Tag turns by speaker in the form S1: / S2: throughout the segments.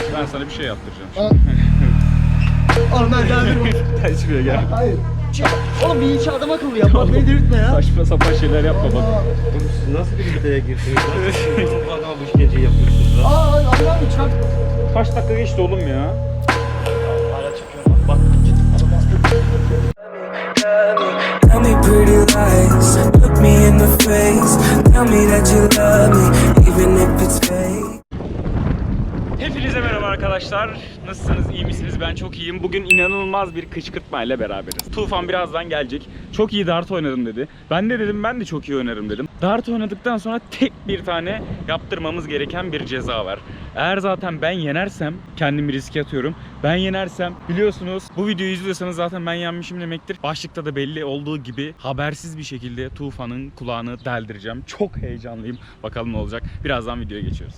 S1: Ben sana bir şey yaptıracağım.
S2: Oğlum ben geldim.
S1: Gel şuraya gel.
S2: Hayır. Oğlum bir iki adam akıllı yap. Bak beni delirtme ya.
S1: Saçma sapan şeyler yapma bak.
S3: Siz nasıl bir iddiaya girdiniz? Bu kadar bu işkenceyi yapıyorsunuz lan.
S2: Allah çarp.
S1: Kaç dakika geçti oğlum ya?
S2: Hala çekiyorum bak. Git. Adam bastı.
S4: Tell me pretty lies, look me in the face. Tell me that you love me, even if it's fake.
S1: Hepinize merhaba arkadaşlar. Nasılsınız? İyi misiniz? Ben çok iyiyim. Bugün inanılmaz bir kışkırtmayla beraberiz. Tufan birazdan gelecek. Çok iyi dart oynadım dedi. Ben de dedim ben de çok iyi oynarım dedim. Dart oynadıktan sonra tek bir tane yaptırmamız gereken bir ceza var. Eğer zaten ben yenersem kendimi riske atıyorum. Ben yenersem biliyorsunuz bu videoyu izliyorsanız zaten ben yenmişim demektir. Başlıkta da belli olduğu gibi habersiz bir şekilde Tufan'ın kulağını deldireceğim. Çok heyecanlıyım. Bakalım ne olacak. Birazdan videoya geçiyoruz.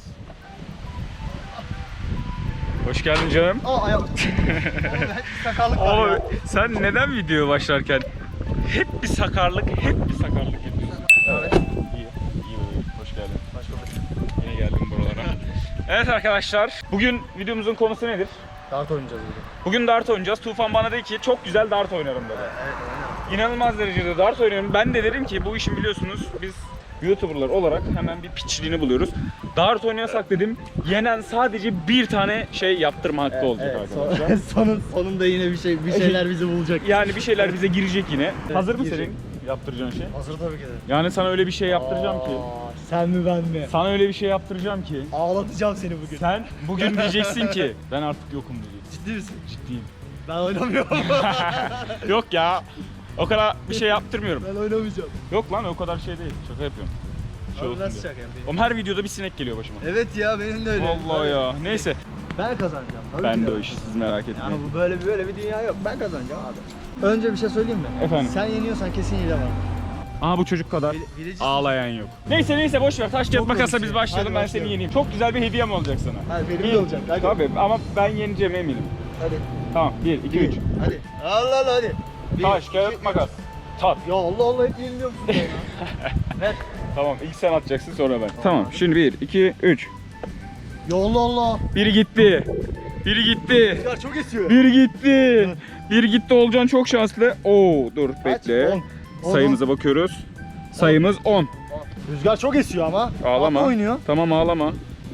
S1: Hoş geldin canım.
S2: Ayağım. Oğlum sakarlık var
S1: Ama
S2: ya.
S1: sen neden videoya başlarken hep bir sakarlık yapıyorsun?
S2: Evet.
S1: İyi, hoş geldin. Yine geldim buralara. Evet arkadaşlar, bugün videomuzun konusu nedir?
S2: Dart oynayacağız bugün.
S1: Bugün dart oynayacağız. Tufan bana dedi ki çok güzel dart oynarım dedi.
S2: Evet
S1: İnanılmaz derecede dart oynuyorum. Ben de dedim ki bu işin biliyorsunuz biz YouTuber'lar olarak hemen bir piçliğini buluyoruz. Dart oynayasak dedim yenen sadece bir tane şey yaptırma hakkı olacak arkadaşlar.
S2: Sonunda yine bir şeyler bizi bulacak.
S1: Yani bir şeyler bize girecek yine. Hazır mı
S2: girecek.
S1: senin yaptıracağın şey?
S2: Hazır tabii ki de.
S1: Yani sana öyle bir şey yaptıracağım ki.
S2: Sen mi ben mi?
S1: Sana öyle bir şey yaptıracağım ki.
S2: Ağlatacağım seni bugün.
S1: Sen bugün diyeceksin ki ben artık yokum diyeceksin.
S2: Ciddi misin?
S1: Ciddiyim.
S2: Ben oynamıyorum.
S1: Yok ya. O kadar bir şey yaptırmıyorum.
S2: Ben oynamayacağım.
S1: Yok lan o kadar şey değil. Şaka yapıyorum. Şey
S2: Abi
S1: olsun
S2: nasıl
S1: diye.
S2: şaka yapayım?
S1: Oğlum her videoda bir sinek geliyor başıma.
S2: Evet ya benim de öyle.
S1: Vallahi ya. Neyse.
S2: Ben kazanacağım. Tabii
S1: Ben
S2: ki
S1: de o işi siz merak
S2: Yani
S1: etmeyin.
S2: bu böyle bir dünya yok. Ben kazanacağım abi. Önce bir şey söyleyeyim mi?
S1: Efendim?
S2: Sen yeniyorsan kesin hile var.
S1: Aha bu çocuk kadar
S2: Bileceksin.
S1: ağlayan yok. Neyse boş ver. Taş kağıt
S2: Çok
S1: makasla
S2: komik
S1: biz
S2: şey.
S1: başlayalım.
S2: Hadi
S1: Ben
S2: başlayalım.
S1: seni yeneyim. Çok güzel bir hediyem olacak sana.
S2: Hadi benim de olacak. Hadi.
S1: Tabii ama ben yeneceğim eminim.
S2: Hadi.
S1: Tamam 1, 2, 3.
S2: Hadi. Allah Allah hadi. Bir,
S1: Taş,
S2: iki,
S1: kağıt,
S2: üç.
S1: makas. Tat.
S2: Ya Allah Allah hep yeniliyor musun ya? Ver.
S1: Tamam ilk sen atacaksın sonra ben. Tamam şimdi 1, 2, 3.
S2: Ya Allah Allah.
S1: Biri gitti. Biri gitti.
S2: Rüzgar çok esiyor.
S1: Biri gitti. Biri gitti Olcan çok şanslı. Oo dur bekle.
S2: 10.
S1: Sayımıza bakıyoruz. Sayımız 10.
S2: Rüzgar çok esiyor ama.
S1: Ağlama.
S2: Atla oynuyor.
S1: Tamam ağlama.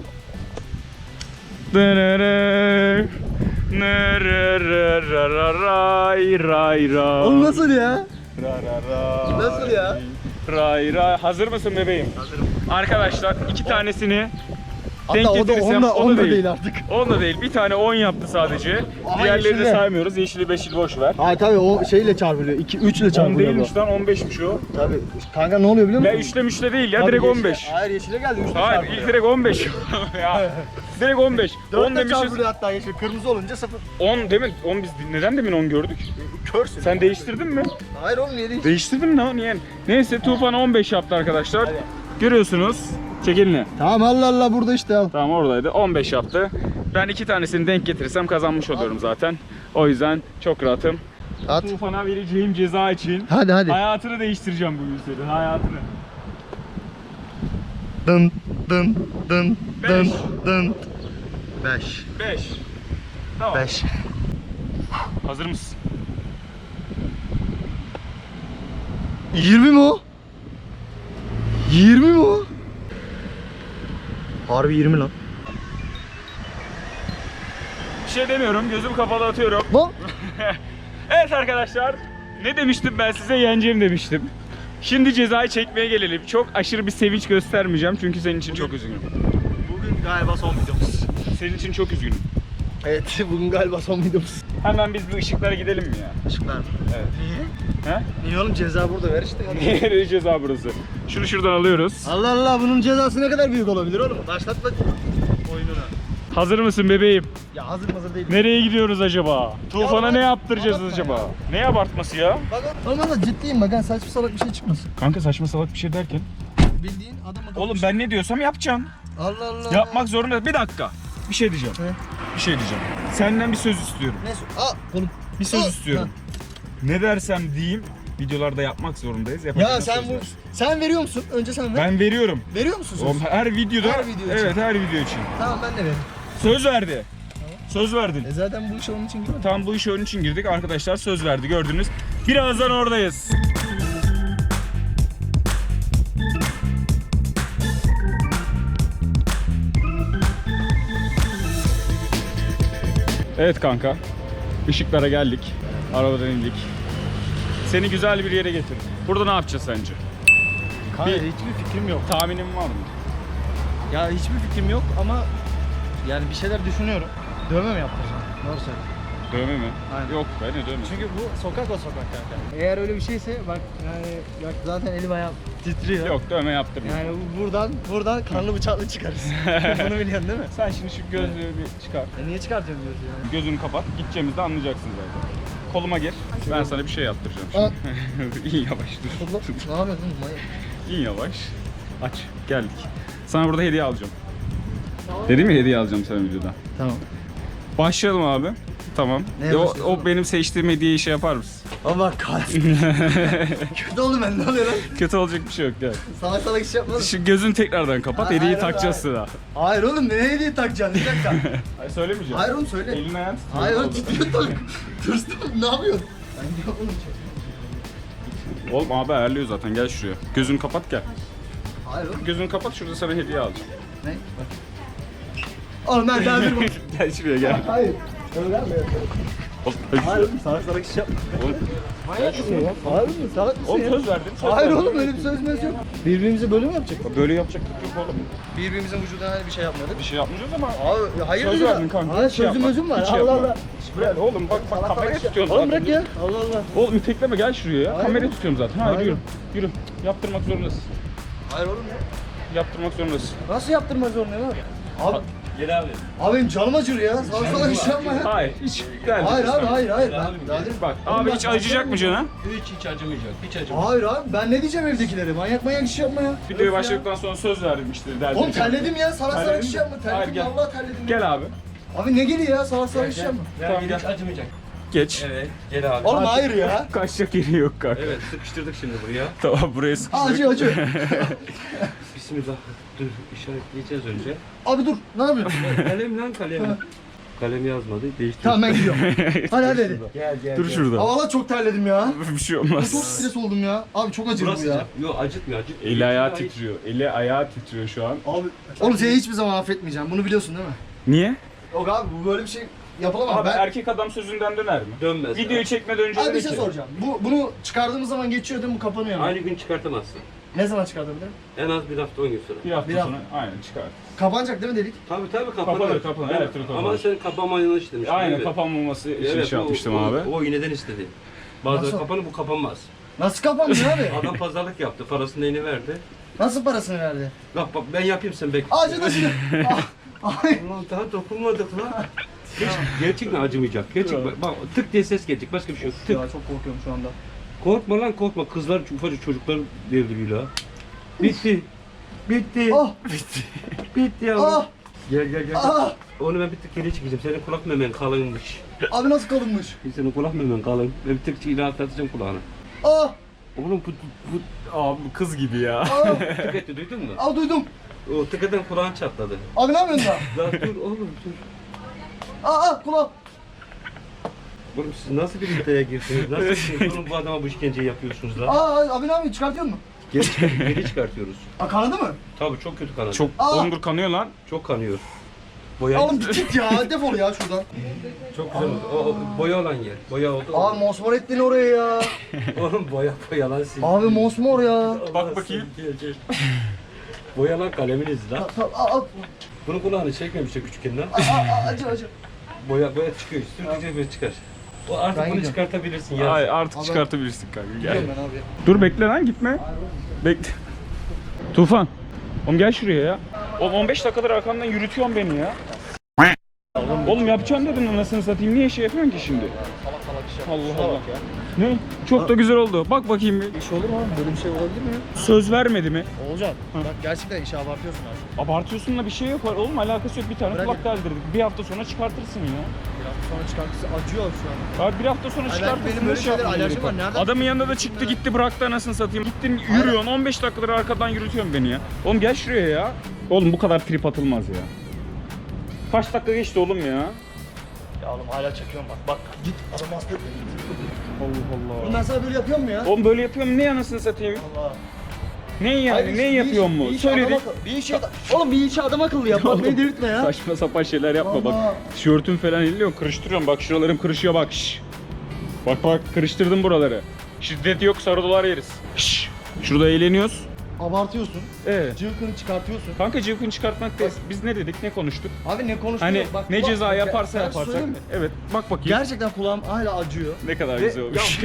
S1: Ray ray ray.
S2: Oğlum nasıl ya?
S1: Ray.
S2: Nasıl ya?
S1: Ray ray. Hazır mısın bebeğim?
S2: Hazırım.
S1: Arkadaşlar iki tanesini denk
S2: Hatta o da
S1: getirirsem
S2: on da değil artık.
S1: 10 da değil. Bir tane 10 yaptı sadece.
S2: Aha,
S1: Diğerlerini de
S2: yeşille.
S1: saymıyoruz. Yeşili 5'i boş ver.
S2: Hayır tabii o şeyle çarpılıyor. 2 3 ile
S1: 10
S2: çarpılıyor.
S1: değilmiş lan 15'miş o.
S2: Tabii. Kanka ne oluyor biliyor musun?
S1: Ya üçle müşle değil ya
S2: Tabii
S1: direkt
S2: yeşile-
S1: 15.
S2: Hayır yeşile geldi 3 ile
S1: Hayır
S2: çarpılıyor.
S1: ilk direkt 15. Ya. Direkt 15. 10
S2: 4 ile
S1: demişiz.
S2: çarpılıyor hatta yeşil. Kırmızı olunca 0.
S1: 10 demek 10 biz neden demin 10 gördük?
S2: Körsün.
S1: Sen değiştirdin mi?
S2: Hayır oğlum niye değil?
S1: Değiştirdin mi lan? Niye? Neyse Tufan 15 yaptı arkadaşlar.
S2: Hadi.
S1: Görüyorsunuz. Çek elini.
S2: Tamam Allah Allah burada işte al.
S1: Tamam oradaydı. 15 yaptı. Ben iki tanesini denk getirirsem kazanmış oluyorum zaten. O yüzden çok rahatım.
S2: At.
S1: Tufan'a vereceğim ceza için
S2: Hadi hadi.
S1: hayatını değiştireceğim bugün senin. Hayatını.
S2: Dın dın dın
S1: Beş.
S2: dın dın. 5.
S1: 5. Tamam.
S2: 5.
S1: Hazır mısın?
S2: 20 mi o? 20 mi o? Harbi 20 lan.
S1: Bir şey demiyorum. Gözüm kapalı atıyorum.
S2: Lan.
S1: Evet arkadaşlar. Ne demiştim ben size? Yeneceğim demiştim. Şimdi cezayı çekmeye gelelim. Çok aşırı bir sevinç göstermeyeceğim çünkü senin için çok üzgünüm.
S2: Bugün galiba son videomuz.
S1: Senin için çok üzgünüm.
S2: Evet bugün galiba son videomuz.
S1: Hemen biz bir ışıklara gidelim mi ya?
S2: Işıklar mı?
S1: Evet.
S2: Niye?
S1: He?
S2: Niye oğlum ceza burada ver işte.
S1: Nereye ceza burası? Şunu şuradan alıyoruz.
S2: Allah Allah bunun cezası ne kadar büyük olabilir oğlum? Başlatma oyununu.
S1: Hazır mısın bebeğim?
S2: Ya hazır değil.
S1: Nereye gidiyoruz acaba? Tufan'a
S2: bak,
S1: ne yaptıracağız
S2: abartma
S1: acaba?
S2: ya.
S1: Ne abartması ya?
S2: Bak olmaz da ciddiyim bak ha saçma salak bir şey çıkmasın.
S1: Kanka saçma salak bir şey derken.
S2: Bildiğin adam
S1: Oğlum ben ne diyorsam yapacaksın.
S2: Allah Allah.
S1: Yapmak zorunda. Bir dakika. Bir şey diyeceğim.
S2: Ne?
S1: Bir şey diyeceğim. Senden bir söz istiyorum.
S2: Ne? Oğlum.
S1: Bir söz
S2: Aa,
S1: istiyorum. Ne dersem diyeyim videolarda yapmak zorundayız. Yapacağız
S2: Ya sen bu sen veriyor musun? Önce sen ver.
S1: Ben veriyorum.
S2: Veriyor musun söz?
S1: Oğlum her videoda.
S2: Her video için.
S1: Evet her video için.
S2: Tamam ben de veririm.
S1: Söz verdi. Söz verdin.
S2: Zaten bu işe onun için girmedim.
S1: Tam bu işe onun için girdik arkadaşlar, söz verdi gördünüz. Birazdan oradayız. Evet kanka, ışıklara geldik, arabadan indik. Seni güzel bir yere getirdim. Burada ne yapacağız sence?
S2: Kanka
S1: Bir-
S2: hiçbir fikrim yok.
S1: Tahminin var mı?
S2: Ya hiçbir fikrim yok ama yani bir şeyler düşünüyorum. Dövme mi yaptıracağım? Doğru söyle.
S1: Dövme mi?
S2: Aynen.
S1: Yok be, ne dövme?
S2: Çünkü bu sokak o sokak kanka. Eğer öyle bir şeyse bak yani bak zaten elim ayağım titriyor.
S1: Yok, dövme yaptırma.
S2: Yani buradan kanlı bıçaklı çıkarız. Bunu biliyorsun değil mi?
S1: Sen şimdi şu gözlüğü bir çıkar.
S2: Niye çıkartıyorsun diyorsun yani?
S1: Gözünü kapat, gideceğimizde anlayacaksın zaten. Koluma gir, ben sana bir şey yaptıracağım şimdi. İn yavaş dur.
S2: Ne yapıyorsun manyak?
S1: İn yavaş. Aç, geldik. Sana burada hediye alacağım. Dedim ya, hediye alacağım sana videoda.
S2: Tamam.
S1: Başlayalım abi. Tamam.
S2: Neye
S1: O
S2: başlayalım?
S1: benim seçtiğim hediyeyi şey yapar mısın?
S2: Ama kahretsin. Kötü oldu ben ne oluyor lan?
S1: Kötü olacak bir şey yok, gel.
S2: Salak salak iş yapmadım.
S1: Şu gözünü tekrardan kapat,
S2: Hayır,
S1: hediyeyi
S2: hayır,
S1: takacağız
S2: hayır.
S1: sıra.
S2: Hayır oğlum ne hediye takacaksın? Bir dakika.
S1: Hayır, söylemeyeceğim.
S2: Hayır oğlum söyle.
S1: Elini ayağını titriyor.
S2: Hayır oğlum
S1: Oldu.
S2: titriyor tabii. Tırstım ne yapıyorsun? Ben yok oğlum.
S1: Oğlum abi ayarlıyor zaten, gel şuraya. Gözünü kapat gel.
S2: Hayır oğlum.
S1: Gözünü kapat, şurada sana hediye alacağım.
S2: Ne? Bak. Oğlum ben daha bir
S1: Gel şuraya gel.
S2: Hayır. Öyle mi? Hayır oğlum salak salak iş yapma.
S1: Oğlum,
S2: Manyak mısın ya? Hayır oğlum salak mısın
S1: oğlum
S2: ya?
S1: söz verdin. Söz
S2: Hayır
S1: verdin.
S2: oğlum öyle bir sözümüz yok. Birbirimize böyle mi yapacaktık?
S1: Böyle yapacaktık yok oğlum.
S2: Birbirimizin vücuduna hani bir şey yapmadık.
S1: Bir şey yapmayacağız ama.
S2: Abi hayır
S1: Söz
S2: ya.
S1: verdin kanka.
S2: Hayır
S1: hiç şey
S2: sözüm
S1: yapma.
S2: özüm var.
S1: Hiç şey
S2: Allah
S1: yapma.
S2: Allah.
S1: Gel oğlum bak
S2: Salak
S1: kamerayı
S2: salak
S1: tutuyorsun
S2: Oğlum
S1: zaten.
S2: bırak ya. Allah Allah.
S1: Oğlum itekleme, gel şuraya ya.
S2: Hayır.
S1: Kamerayı tutuyorum zaten. Hadi
S2: Hayır.
S1: yürü. Yürü. Yaptırmak zorundasın.
S2: Hayır oğlum ya.
S1: Yaptırmak zorundasın.
S2: Nasıl yaptırmaz zorundayım abi? Abi,
S3: Gel abi.
S2: abi benim canım acır ya. Salak salak iş yapma ya.
S1: Hayır hiç gel.
S2: Hayır abi hayır hayır.
S3: Gel abi,
S2: Ben,
S3: gel.
S2: daha
S1: Bak
S2: Oğlum
S1: abi
S2: ben
S1: hiç acıyacak mı canım?
S3: Hiç acımayacak. Hiç acımayacak.
S2: Hayır abi ben ne diyeceğim evdekilere? Manyak manyak iş yapma ya.
S1: Videoyu
S2: Öf ya.
S1: başladıktan sonra söz verdim işte. derdim.
S2: Oğlum terledim ya. Salak salak
S1: Terledin
S2: iş
S1: mi?
S2: yapma.
S1: Hayır,
S2: Terledim
S1: gel.
S2: vallahi terledim. ya.
S1: Gel abi.
S2: Abi ne geliyor ya? Salak salak iş yapma.
S1: Tamam,
S3: Hiç
S1: gel.
S3: acımayacak.
S1: Geç.
S3: Evet. Gel abi.
S2: Oğlum hayır ya.
S1: Kaçacak yeri yok kanka.
S3: Evet sıkıştırdık şimdi buraya.
S1: Tamam buraya sıkıştık.
S2: Acı acı.
S3: Bismillah. Dur işaretleyeceğiz önce.
S2: Abi dur. Ne yapıyorsun?
S3: Kalem lan kalem. Kalem yazmadı. Değiştir.
S2: Tamam ben gidiyorum. Hadi hadi.
S3: Gel gel.
S1: Dur şurada.
S2: Ama valla çok terledim ya.
S1: Bir şey
S2: Çok
S1: olmaz.
S2: stres oldum ya. Abi çok acır bu
S3: Burası
S2: ya.
S3: sıcak. Yok acıtmıyor acıtmıyor.
S1: Eli ayağı titriyor. Eli ayağı titriyor şu an.
S2: Abi. Oğlum seni hiçbir zaman affetmeyeceğim. Bunu biliyorsun değil mi?
S1: Niye?
S2: Yok abi bu böyle bir şey yapılamaz.
S1: Abi
S2: Ben...
S1: erkek adam sözünden döner mi?
S3: Dönmez.
S1: Videoyu çekmeden önce
S2: Abi bir
S1: dedi
S2: şey
S1: ki.
S2: soracağım. Bunu çıkardığımız zaman geçiyor değil mi? Bu kapanıyor mu?
S3: Aynı gün çıkartamazsın.
S2: Ne zaman çıkartabilirim?
S3: En az bir hafta 10 gün sonra.
S1: Bir hafta
S2: Bir
S1: sonra aynen çıkar.
S2: Kapanacak değil mi dedik?
S3: Tabii kapanır.
S1: Kapanır,
S3: Evet.
S1: elektrik
S3: Ama
S1: kapanır.
S3: sen kapanma yanlış demiştin.
S1: Aynen
S3: değil mi?
S1: kapanmaması için
S3: Evet,
S1: şey yapmıştım abi.
S3: O iğneden istedi. Bazıları
S2: Nasıl?
S3: kapanır bu kapanmaz.
S2: Nasıl kapanmıyor abi?
S3: Adam pazarlık yaptı. Parasını neyini verdi.
S2: Nasıl parasını verdi?
S3: Bak ben yapayım sen bekle.
S2: Acıdı acıdı. Ah, Ay.
S3: Ulan daha dokunmadık lan. Hiç gerçekten acımayacak. Gerçek bak tık diye ses gelecek. Başka bir şey yok. Tık.
S2: Ya çok korkuyorum şu anda.
S3: Korkma lan korkma. Kızlar ufacık çocuklar devri la. Bitti. Bitti.
S2: Ah.
S3: Bitti yavrum.
S2: Ah.
S3: Gel.
S2: Ah.
S3: Onu ben bir tık geri çekeceğim. Senin kulak memen kalınmış.
S2: Abi nasıl kalınmış?
S3: Senin kulak memen kalın. Ben bir tık ilerleteceğim kulağını.
S2: Ah.
S3: Oğlum bu
S1: Abi kız gibi ya.
S2: Ah.
S3: tık etti duydun mu?
S2: Ah duydum.
S3: O tık eden kulağın çatladı.
S2: Abi ne yapıyorsun da?
S3: Lan dur oğlum dur.
S2: Ah kulağım.
S3: Oğlum siz nasıl bir iddiaya girdiniz? Nasıl oğlum bu adama bu işkenceyi yapıyorsunuz lan?
S2: Abi ne yapıyorsun? Çıkartıyor musun?
S3: Geri çıkartıyoruz.
S2: Ah kanadı mı?
S3: Tabii çok kötü kanadı.
S1: Çok
S2: Aa!
S1: ondur kanıyor lan.
S3: Çok kanıyor. Boya
S2: Oğlum git ya. Defol ya şuradan.
S3: çok güzel oldu. O boya olan yer. Boya oldu.
S2: Abi mosmor ettin oraya ya.
S3: Oğlum boya lan sil.
S2: Abi mosmor ya.
S1: Bak bakayım.
S3: Gel. Boya lan kaleminiz lan.
S2: Al.
S3: Bunun kulağını çekmemişti küçükken lan.
S2: Acı.
S3: Boya çıkıyor. Sürdükçe böyle çıkar. O artık
S2: Ben
S3: bunu
S2: gidiyorum.
S3: çıkartabilirsin ya.
S1: Ay artık
S2: Abi-
S1: çıkartabilirsin kanka. Gel.
S2: Gidiyorum ben abi.
S1: Dur bekle lan gitme. Bekle. Tufan. Oğlum gel şuraya ya. Oğlum 15 dakikadır arkamdan yürütüyorsun beni ya. Oğlum yapacağım dedin anasını satayım. Niye şey yapıyorsun ki şimdi? Allah Allah. Ne? Çok da güzel oldu. Bak bakayım bir.
S2: İş olur mu abi? Böyle bir şey olabilir mi ya?
S1: Söz vermedi mi?
S2: Olacak. Bak gerçekten işe abartıyorsun abi.
S1: Abartıyorsun da bir şey yok. Oğlum alakası yok. Bir tane
S2: Bırak
S1: kulak
S2: ya.
S1: deldirdik. Bir hafta sonra çıkartırsın ya.
S2: Bir hafta sonra çıkartısı acıyor şu an.
S1: Abi bir hafta sonra
S2: Ay,
S1: çıkartırsın.
S2: benim böyle
S1: ne
S2: şeyler
S1: yapmam
S2: alerjim
S1: gerekiyor?
S2: var. Nereden
S1: Adamın yanında da çıktı gitti bıraktı anasını satayım. Gittin yürüyorsun 15 dakikadır arkadan yürütüyorsun beni ya. Oğlum gel şuraya ya. Oğlum bu kadar trip atılmaz ya. Kaç dakika geçti oğlum ya?
S2: Ya oğlum hala çekiyorum bak. Bak git adam hasta etme git.
S1: Allah
S2: Oğlum
S1: Allah.
S2: ben sana böyle yapıyorum mu ya?
S1: Oğlum böyle yapıyorum ne anasını satayım?
S2: Allah.
S1: Ne yani ne yapıyor mu? Söyledik.
S2: Oğlum bir işi adam akıllı yap. Bak beni delirtme ya.
S1: Saçma sapan şeyler yapma bak.
S2: Allah.
S1: Tişörtüm falan elliyor kırıştırıyorum bak şuralarım kırışıyor bak. Şş. Bak kırıştırdım buraları. Şiddet yok sarı dolar yeriz. Şş. Şurada eğleniyoruz.
S2: Abartıyorsun. Cıvkını çıkartıyorsun.
S1: Kanka cıvkını çıkartmak değil. Biz ne dedik ne konuştuk?
S2: Abi ne konuştuk?
S1: Hani
S2: Bak,
S1: ne
S2: bak,
S1: ceza
S2: bak,
S1: yaparsa
S2: ben
S1: yaparsak.
S2: söyleyeyim mi?
S1: Evet bak bakayım.
S2: Gerçekten kulağım hala acıyor.
S1: Ne kadar
S2: Ve-
S1: güzel olmuş.
S2: Ya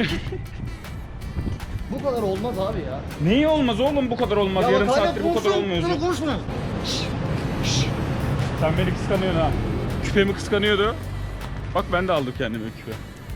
S2: bu kadar olmaz abi ya.
S1: Neyi olmaz oğlum bu kadar olmaz.
S2: Ya
S1: Yarım
S2: bak hala
S1: saattir bu kadar
S2: konuşuyorum,
S1: olmuyorsun.
S2: sana konuşmuyorum.
S1: Sen beni kıskanıyorsun ha. Küpemi kıskanıyordu. Bak ben de aldım kendime küpe.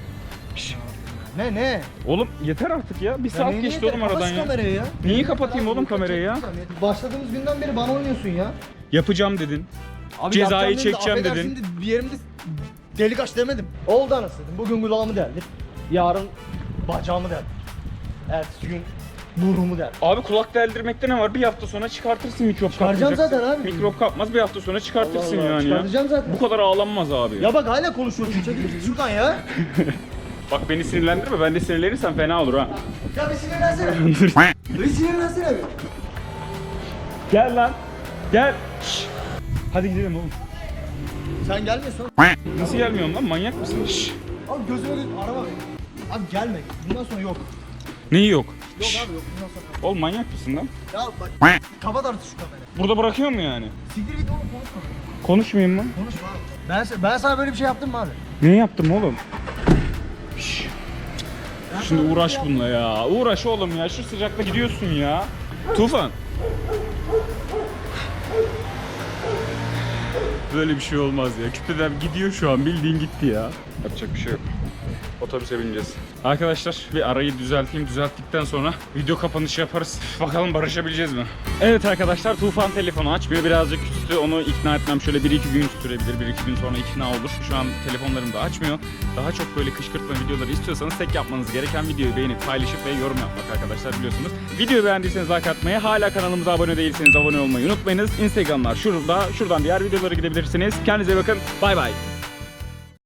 S2: Ne?
S1: Oğlum yeter artık ya. Bir saat
S2: neyini
S1: geçti
S2: yeter?
S1: oğlum aradan
S2: Kapat şu
S1: ya.
S2: kamerayı ya.
S1: Neyi kapatayım oğlum kamerayı ya?
S2: Başladığımız günden beri bana oynuyorsun ya.
S1: Yapacağım dedin.
S2: Abi
S1: Cezayı
S2: yapacağım dedim de,
S1: çekeceğim
S2: affedersin
S1: dedin.
S2: de bir yerimde delik aç demedim. Oldu anasını dedim. Bugün kulağımı deldi. Yarın bacağımı deldi. Ertesi gün burnumu deldi.
S1: Abi kulak deldirmekte ne var? Bir hafta sonra çıkartırsın mikrop
S2: Çıkaracağım
S1: kapmayacaksın.
S2: zaten abi.
S1: Mikrop kapmaz bir hafta sonra çıkartırsın
S2: Allah Allah,
S1: yani ya.
S2: çıkartacağım zaten.
S1: Bu kadar ağlanmaz abi.
S2: Ya bak hala konuşuyorsun. Çekil git şuradan ya.
S1: Bak beni sinirlendirme. Ben de sinirlenirsem fena olur ha.
S2: Ya bir sinirlensene. Bir sinirlensene bir.
S1: Gel lan. Gel. Şş. Hadi gidelim oğlum.
S2: Sen gelmiyorsun.
S1: Nasıl gelmiyorsun lan? Manyak mısın? Şş.
S2: Abi gözüme gözüm arama beni. Abi gelme. Bundan sonra yok.
S1: Neyi yok?
S2: Yok abi yok. Bundan sonra.
S1: Oğlum manyak mısın lan?
S2: Ya bak. Kapat artık şu kamerayı.
S1: Burada bırakıyor mu yani?
S2: Siktir git oğlum konuşma.
S1: Konuşmayayım mı?
S2: Konuşma abi. Ben sana böyle bir şey yaptım mı abi?
S1: Ne yaptım oğlum? Şş. Şimdi uğraş bununla ya. Uğraş oğlum ya. Şu sıcakta gidiyorsun ya. Tufan. Böyle bir şey olmaz ya. Küpeden gidiyor şu an. Bildiğin gitti ya. Yapacak bir şey yok. Otobüse bineceğiz. Arkadaşlar bir arayı düzelteyim. Düzelttikten sonra video kapanışı yaparız. Bakalım barışabileceğiz mi? Evet arkadaşlar Tufan telefonu açmıyor. Birazcık üstü onu ikna etmem şöyle 1-2 gün sürebilir. 1-2 gün sonra ikna olur. Şu an telefonlarım da açmıyor. Daha çok böyle kışkırtma videoları istiyorsanız tek yapmanız gereken videoyu beğenip paylaşıp ve yorum yapmak arkadaşlar biliyorsunuz. Videoyu beğendiyseniz like atmayı, hala kanalımıza abone değilseniz abone olmayı unutmayınız. Instagramlar şurada. Şuradan diğer videolara gidebilirsiniz. Kendinize bakın. Bay bay.